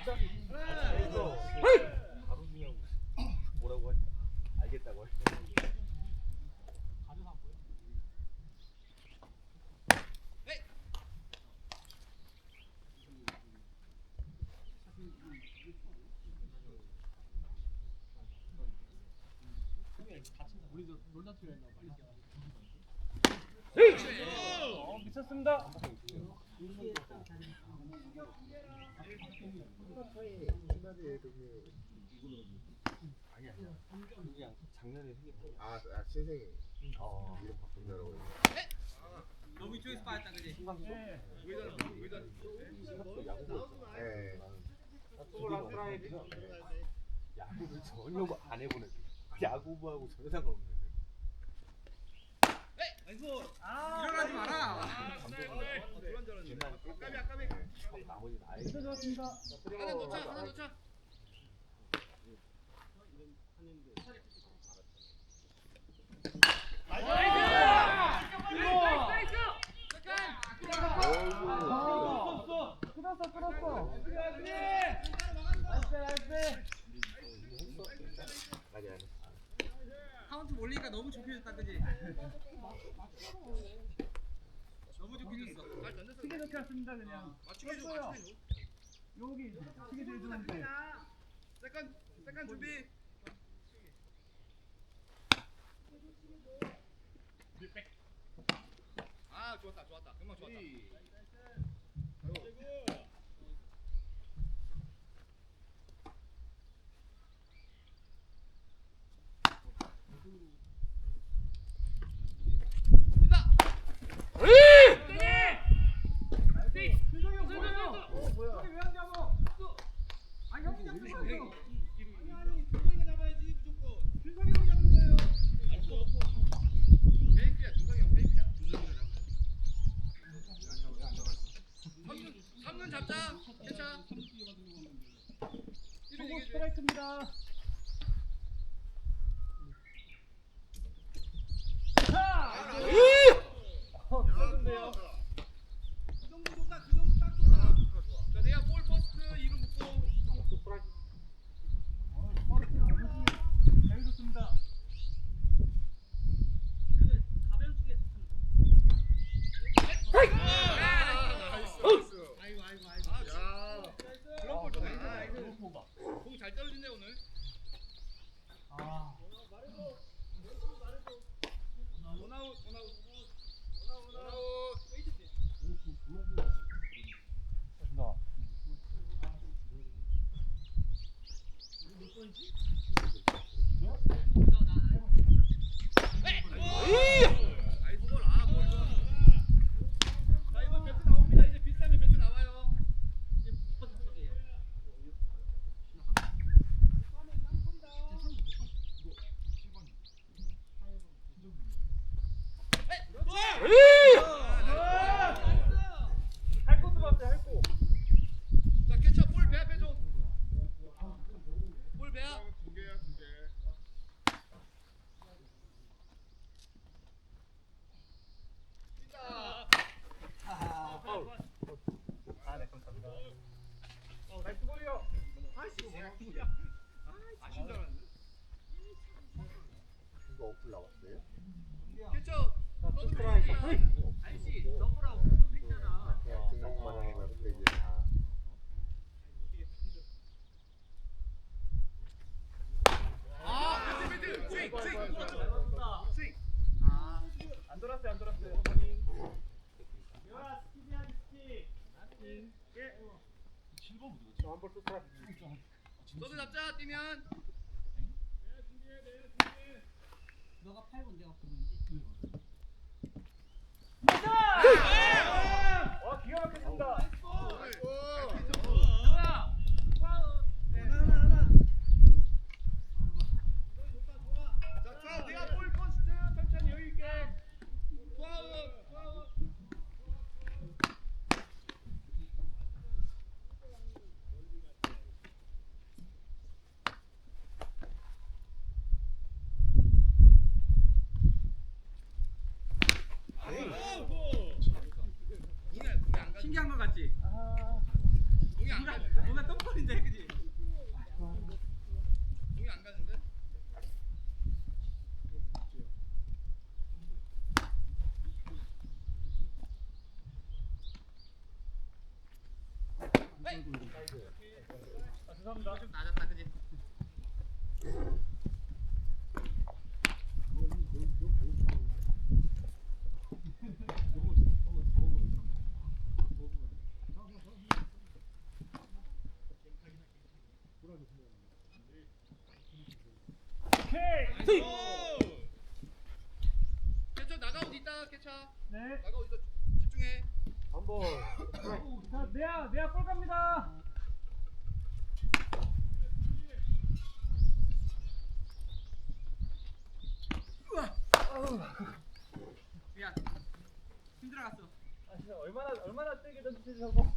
바로 그냥 뭐라고 하지? 알겠다고 할 때. 우리도 롤라트로 했나 봐. 미쳤습니다. 아니야. 그냥 작년에 생겼던. 신생이 어. 이름 바꾼다고. 너무 이쪽에서 빠졌다 그지? 신강도 야구부. 네. 야구를 전혀 안 해본 애들. 야구부하고 전혀 상관없는 애들. 일어나지 마라. 옛날에 나머지 나이. 하나 넣자, 하나 넣자. 아니 아니. 카운트 몰리니까 너무 좁혀졌다 그지? 너무 좁혀졌어. 시계 좋게 왔습니다 그냥. 맞추게 줘, 떴어요. 맞추게 줘. 여기 시계 제일 좋은데. 세컨 준비. 아 좋았다. 금방 좋았다. 잡자. 괜찮아. 성공 스트라이크입니다. 미쳤는데요. 그 정도 좋다. 그 정도 딱 좋다. 자, 내가 볼 퍼스트 이름 묻고. 잘 좋습니다. 가벼운 쪽에 아이고. 그런 걸 좋네. 공잘 떨어진대 오늘. 원아웃. 나이스 볼. 볼 좋아. 자, 이번 배트 나옵니다. 이제 비싸면 배트 나와요. 이제 무슨 소리예요? 할 것도 봤어요. 할 거. 자, 캐쳐 볼 배합 해줘. 볼 배합. 두 개야, 두 개. 파울. 네 감사합니다. 나이스 볼이요. 아쉬운 줄 알았는데. 이거 어플 나왔어요? 캐쳐. 너도 스트라이크. 배합이야. 아저씨 너브라고 또 했잖아. 그냥 등록만 하는 거야. 근데 이제 다 배트. 스윙. 스윙. 안 돌았어요. 한번 스트라이크. 너도 잡자. 뛰면. 너가 8번 내가 9번이지? 와 기가 막혔습니다. 자, 내가 볼 퍼스트 천천히 여유 있게. 투아웃. 신기한 거 같지? 죄송합니다. 좀 낮았다, 그지? 오케이. 캐쳐 나가고 있다, 캐쳐. 네. 나가고 있다. 집중해. 한번 자, 내야 볼 갑니다. 미안. 힘들어갔어. 아 진짜 얼마나 세게 던지지 저거.